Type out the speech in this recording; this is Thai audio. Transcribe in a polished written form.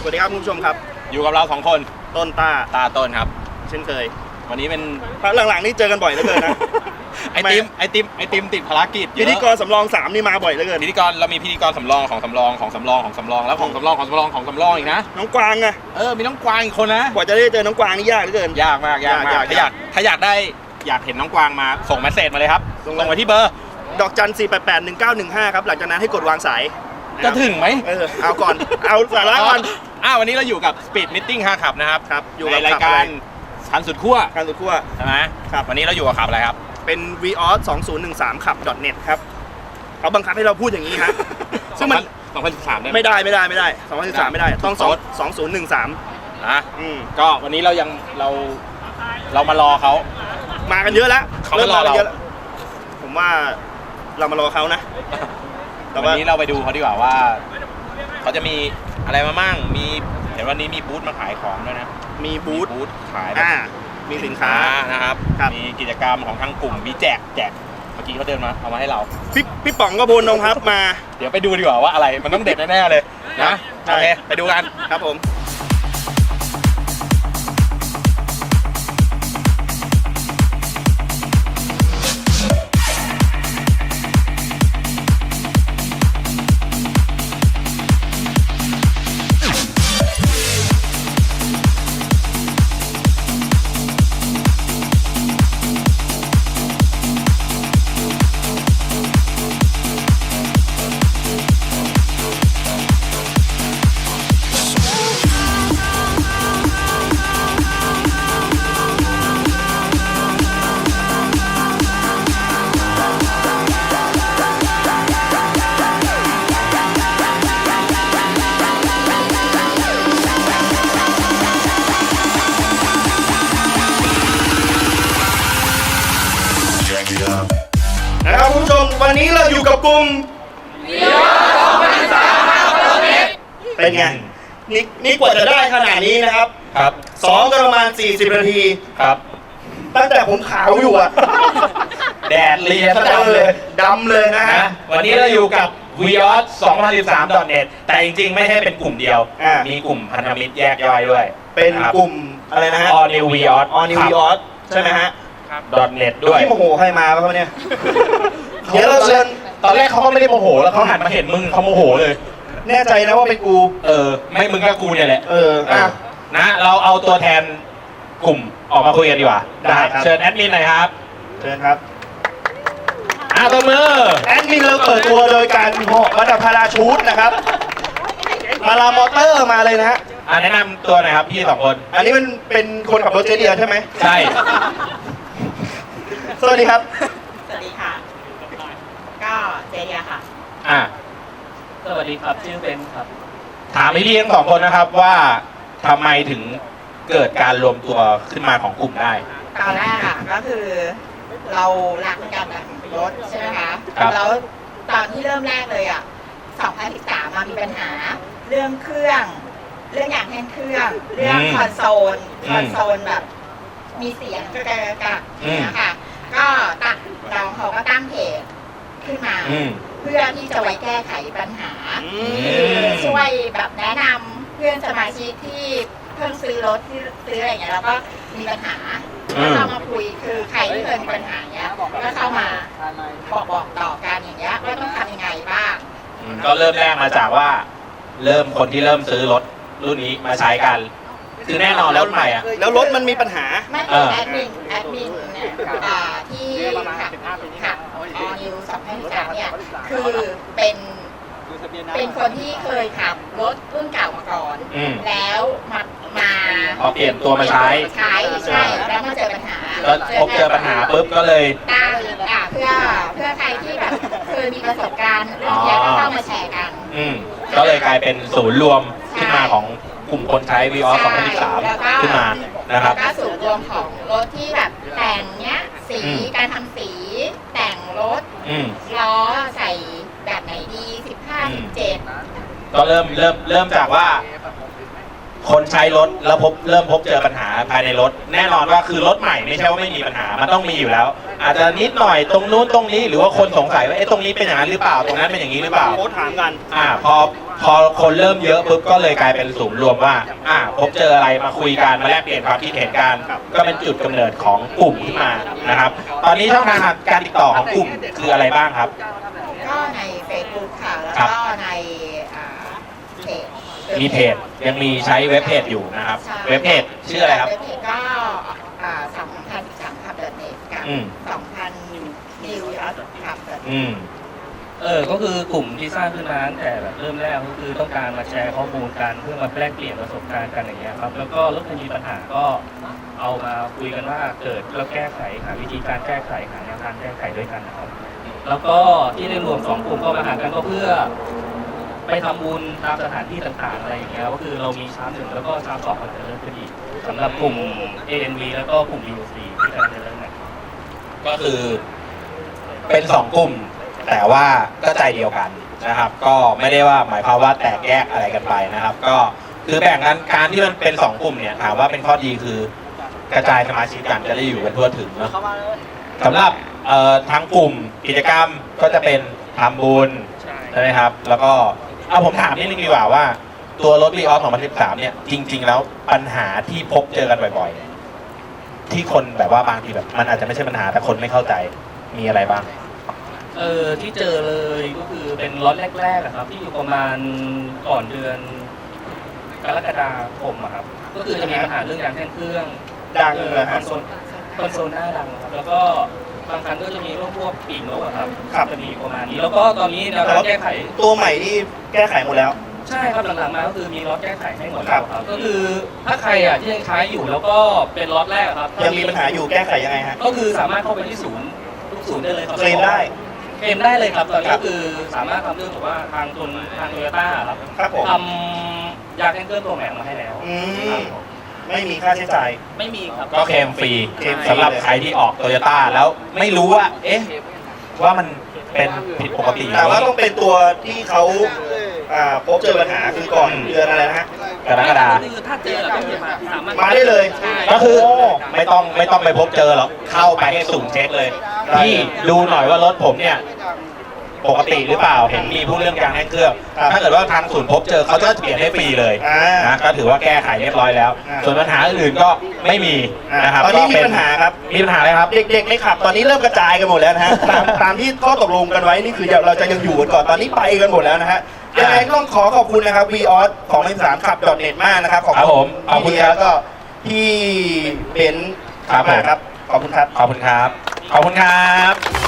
สวัสดีครับคุณผู้ชมครับอยู่กับเรา2คนต้นตาต้นครับเช่นเคยวันนี้เป็นหลังๆนี่เจอกันบ่อยเหลือเกินนะไอติมติดภารกิจพิธีกรสำรอง3นี่มาบ่อยเหลือเกินพิธีกรเรามีพิธีกรสำรองของสำรองของสำรองของสำรองแล้วของสำรองของสำรองของสำรองอีกนะน้องกวางไงมีน้องกวางอีกคนนะกว่าจะได้เจอน้องกวางนี่ยากเหลือเกินยากมากถ้าอยากเห็นน้องกวางมาส่งเมสเซจมาเลยครับส่งมาที่เบอร์ดอกจัน4881915ครับหลังจากนั้นให้กดวางสายจะถึงไหมเอาก่อนเอาสาระก่อนวันนี้เราอยู่กับ Speed Meeting 5 ขับนะครับอยู่ในรายการคันสุดขั้วใช่ไหมครับวันนี้เราอยู่กับขับอะไรครับเป็น Vios 2013ขับ .net ครับเขาบังคับให้เราพูดอย่างนี้ครับซึ่งมัน 2013ได้ไม่ได้2013ไม่ได้ต้อง2013 นะก็วันนี้เรามารอเขามากันเยอะแล้วเขามารอเราผมว่าเรามารอเขานะวันนี้เราไปดูเขาดีกว่าว่าเขาจะมีอะไรมามั่งเห็นวันนี้มีบูธมาขายของด้วยนะมีบูธขายมีสินค้านะครับมีกิจกรรมของทางกลุ่มมีแจกเมื่อกี้เขาเดินมาเอามาให้เราพี่ป๋องก็พลนงครับมาเดี๋ยวไปดูดีกว่าว่าอะไรมันต้องเด็ดแน่ๆเลยนะโอเคไปดูกันครับผมนะครับคุณผู้ชมวันนี้เราอยู่กับกลุ่มเป็นไงนี่กว่าจะได้ขนาดนี้นะครับซ้อมกันประมาณ40นาทีครับตั้งแต่ผมขาวอยู่อะแดดเลียซะดำเลยนะฮะวันนี้เราอยู่กับ Vios 2013.net แต่จริงๆไม่ใช่เป็นกลุ่มเดียวมีกลุ่มพันธมิตรแยกย่อยด้วยเป็นกลุ่มอะไรนะฮะ All New Vios ใช่ไหมฮะ .net ด้วยที่โมโหใครมาครับเนี่ยเดี๋ยวเราเชิญตอนแรกเขาก็ไม่ได้โมโหแล้วเขาหันมาเห็นมึงเขาโมโหเลยแน่ใจนะว่าเป็นกูไม่มึงก็กูเนี่ยแหละนะเราเอาตัวแทนกลุ่มออกมาคุยกันดีกว่าได้ครับเชิญแอดมินหน่อยครับเชิญครับตัวมือแอดมินเราเปิดตัวโดยการเหาะมาดับพาราชูตนะครับมาลามอเตอร์มาเลยนะฮะแนะนำตัวหน่อยครับพี่2คนอันนี้มันเป็นคนขับรถเจเดียใช่ไหมใช่สวัสดีครับสวัสดีค่ะก็เจเดียค่ะสวัสดีครับชื่อเบนครับถามพี่ทั้ง2คนนะครับว่าทำไมถึงเกิดการรวมตัวขึ้นมาของกลุ่มได้ตอนแรกก็คือเรารักในการแบบรถใช่ไหมคะแล้วตอนที่เริ่มแรกเลย2013มามีปัญหาเรื่องเครื่องเรื่องอย่างแห้งเครื่องเรื่องคอนโซลแบบมีเสียงกระเนี่ยค่ะก็เราเขาก็ตั้งเพจขึ้นมาเพื่อที่จะไว้แก้ไขปัญหาช่วยแบบแนะนำเพื่อนสมาชิกที่เพิ่งซื้อรถที่ซื้ออะไรอย่างเงี้ยแล้วก็มีปัญหาก็เข้ามาคุยคือใครที่เคยมีปัญหาเนี้ยก็เข้ามาบอกต่อกันอย่างเงี้ยว่าต้องทำยังไงบ้างก็เริ่มแรกมาจากว่าคนที่เริ่มซื้อรถรุ่นนี้มาใช้กันคือแน่นอนแล้วใหม่แล้วรถมันมีปัญหาไม่เป็นแอดมินเนี่ยที่ขับนิว2013เนี่ยคือเป็นคนที่เคยขับรถรุ่นเก่ามาก่อนแล้วมาพอเปลี่ยนตัวมาใช้แล้วมาเจอปัญหาเจอปัญหาปุ๊บก็เลยตั้งเพื่อใครที่แบบเคยมีประสบการณ์เรื่องนี้ก็เข้ามาแชร์กันก็เลยกลายเป็นศูนย์รวมขึ้นมาของกลุ่มคนใช้ Vios 2013ขึ้นมานะครับก็ศูนย์รวมของรถที่แบบแต่งเนี้ยสีการทำสีแต่งรถล้อใส่แบบไหนดี15 17 ก็เริ่มจากว่าคนใช้รถแล้วเริ่มพบเจอปัญหาภายในรถ แน่นอนว่าคือรถใหม่ไม่ใช่ว่าไม่มีปัญหามันต้องมีอยู่แล้ว อาจจะนิดหน่อยตรงนู้นตรงนี้หรือว่าคนสงสัยว่าตรงนี้เป็นอย่างนั้นหรือเปล่าตรงนั้นเป็นอย่างนี้หรือเปล่าโค้ชถามกันพอคนเริ่มเยอะปุ๊บก็เลยกลายเป็นศูนย์รวมว่าพบเจออะไรมาคุยกันมาแลกเปลี่ยนความคิดเห็นกันก็เป็นจุดกำเนิดของกลุ่มขึ้นมานะครับตอนนี้ช่องทางการติดต่อของกลุ่มคืออะไรบ้างครับก็ใน Facebook ค่ะแล้วก็ในเพจมีเพจยังมีใช้เว็บเพจอยู่นะครับเว็บเพจชื่ออะไรครับเว็บเพจก็2013ขับเดินเน็ตกับ2000 New York ขับเดินก็คือกลุ่มที่สร้างขึ้นมาตั้งแต่แบบเริ่มแรกก็คือต้องการมาแชร์ข้อมูลกันเพื่อมาแลกเปลี่ยนประสบการณ์กันอย่างเงี้ยครับแล้วก็รถคันมีปัญหาก็เอามาคุยกันว่าเกิดแล้วแก้ไขหาวิธีการแก้ไขหาแนวทางแก้ไขด้วยกันนะครับแล้วก็ที่ได้รวม2กลุ่มก็มาหากันก็เพื่อไปทำบุญตามสถานที่ต่างๆอะไรอย่างเงี้ยก็คือเรามีชาร์จ1แล้วก็ชาร์จ2มันจะเริ่มขึ้นอีกสำหรับกลุ่ม ANV แล้วก็กลุ่ม BOC ที่กำลังจะเริ่มใหม่ก็คือเป็น2กลุ่มแต่ว่าก็ใจเดียวกันนะครับ ก็ไม่ได้ว่าหมายความว่าแตกแยกอะไรกันไปนะครับ ก็คือแบ่งกันการที่มันเป็น2กลุ่มเนี่ยถามว่าเป็นข้อดีคือกระจายสมาชิกกันจะได้อยู่กันทั่วถึงเนาะสำหรับทางกลุ่มกิจกรรมก็จะเป็นทำบุญใช่ไหมครับ แล้วก็ผมถามนิดนึงดีกว่าว่าตัวรถวีออส2013เนี่ยจริงๆแล้วปัญหาที่พบเจอกันบ่อยๆที่คนแบบว่าบางทีแบบมันอาจจะไม่ใช่ปัญหาแต่คนไม่เข้าใจมีอะไรบ้างที่เจอเลยก็คือเป็นล็อตแรกๆอะครับที่อยู่ประมาณก่อนเดือนกรกฎาคมอะครับก็คือจะมีปัญหาเรื่องยางแท่นเครื่องดังเลยคอนโซลหน้าดังครับแล้วก็บางครั้งก็จะมีเรื่องพวกปีกนกอะครับจะมีประมาณนี้แล้วก็ตอนนี้แนวทางแก้ไขตัวใหม่ที่แก้ไขหมดแล้วใช่ครับหลังๆมาก็คือมีล็อตแก้ไขให้หมดแล้วครับก็คือถ้าใครที่ยังใช้อยู่แล้วก็เป็นล็อตแรกครับยังมีปัญหาอยู่แก้ไขยังไงฮะก็คือสามารถเข้าไปที่ศูนย์ทุกศูนย์ได้เลยครับเคลมได้เลยครับตอนนี้ก็คือสามารถทำเรื่องแบบว่าทางโตโยต้าครับทำยาแท่นเครื่องตัวใหม่มาให้แล้วไม่มีค่าใช้จ่ายไม่มีครับก็เคลมฟรีสำหรับใครที่ออกโตโยต้าแล้วไม่รู้ว่าว่ามันเป็นผิดปกติแต่ว่าต้องเป็นตัวที่เขาพบเจอปัญหาคือก่อนเดือนอะไรนะฮะกรกฎาคมคือถ้าเจอแล้วมาได้เลยก็คือไม่ต้องไปพบเจอหรอกเข้าไปให้สุ่มเช็คเลยที่ดูหน่อยว่ารถผมเนี่ยปกติหรือเปล่าเห็นมีผู้เรื่องยางแท่นเครื่องถ้าเกิดว่าทางศูนย์พบเจอเขาจะเปลี่ยนให้ฟรีเลยนะก็ถือว่าแก้ไขเรียบร้อยแล้วส่วนปัญหาอื่นก็ไม่มีนะครับตอนนี้มีปัญหาครับมีปัญหาอะไรครับเด็กๆในขับตอนนี้เริ่มกระจายกันหมดแล้วนะฮะตามที่ข้อตกลงกันไว้นี่คือเราจะยังอยู่กันก่อนตอนนี้ไปกันหมดแล้วนะฮะยังไงต้องขอบคุณนะครับ VOS 2013ขับ .net มากนะครับขอบคุณแล้วก็พี่เบนซ์ครับขอบคุณครับขอบคุณครับ